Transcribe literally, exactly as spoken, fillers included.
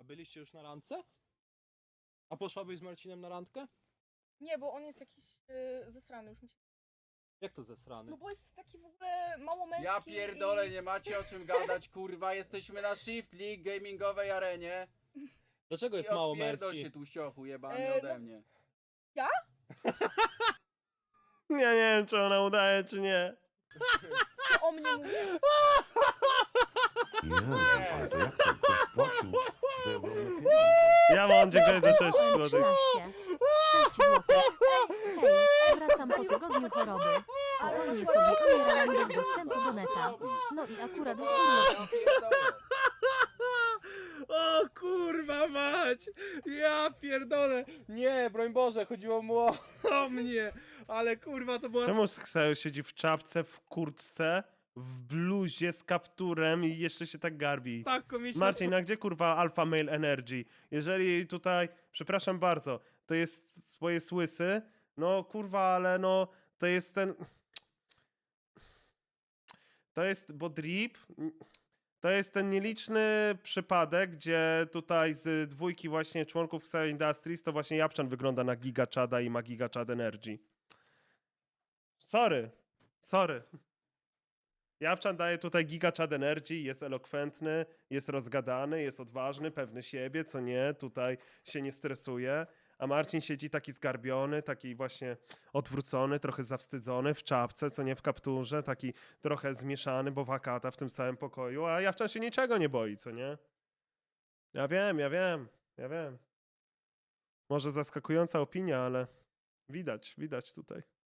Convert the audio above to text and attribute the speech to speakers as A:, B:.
A: A byliście już na randce? A poszłabyś z Marcinem na randkę?
B: Nie, bo on jest jakiś yy, zesrany, już mi się...
A: Jak to zesrany?
B: No bo jest taki w ogóle mało męski.
C: Ja pierdolę,
B: i...
C: nie macie o czym gadać, kurwa, jesteśmy na Shift League gamingowej arenie.
A: Dlaczego
C: I
A: jest mało
C: odpierdol
A: męski?
C: się tłuściochu jebany
B: E,
C: ode
B: no-
C: mnie.
D: Ja nie wiem, czy ona udaje, czy nie.
B: Co o mnie mówisz?
E: Jezu, ale to jak to ktoś spłacił? To ja byłem lepiej.
D: Ja mam, dziękuję za sześć złotych.
F: trzynaście. sześć złotych. Hej, wracam po tygodniu choroby. Spokojnie sobie umierałam bez dostępu do neta. No i akurat w
C: Ja pierdolę.
A: O kurwa mać! Ja pierdolę! Nie, broń Boże, chodziło mu o, o mnie! Ale kurwa to była...
D: Czemu Ksajo siedzi w czapce, w kurtce, w bluzie z kapturem i jeszcze się tak garbi?
A: tak komiczna...
D: Marcin, a gdzie kurwa Alpha Male Energy? Jeżeli tutaj, przepraszam bardzo, to jest swoje łysy, no kurwa, ale no, to jest ten... To jest, bo drip, to jest ten nieliczny przypadek, gdzie tutaj z dwójki właśnie członków Ksajo Industries to właśnie Japczan wygląda na Giga Chada i ma Giga Chad Energy. Sorry, sorry. Japczan daje tutaj Giga Chad Energy, jest elokwentny, jest rozgadany, jest odważny, pewny siebie, co nie, tutaj się nie stresuje, a Marcin siedzi taki zgarbiony, taki właśnie odwrócony, trochę zawstydzony, w czapce, co nie, w kapturze, taki trochę zmieszany, bo wakata w tym samym pokoju, a Japczan się niczego nie boi, co nie? Ja wiem, ja wiem, ja wiem. Może zaskakująca opinia, ale widać, widać tutaj.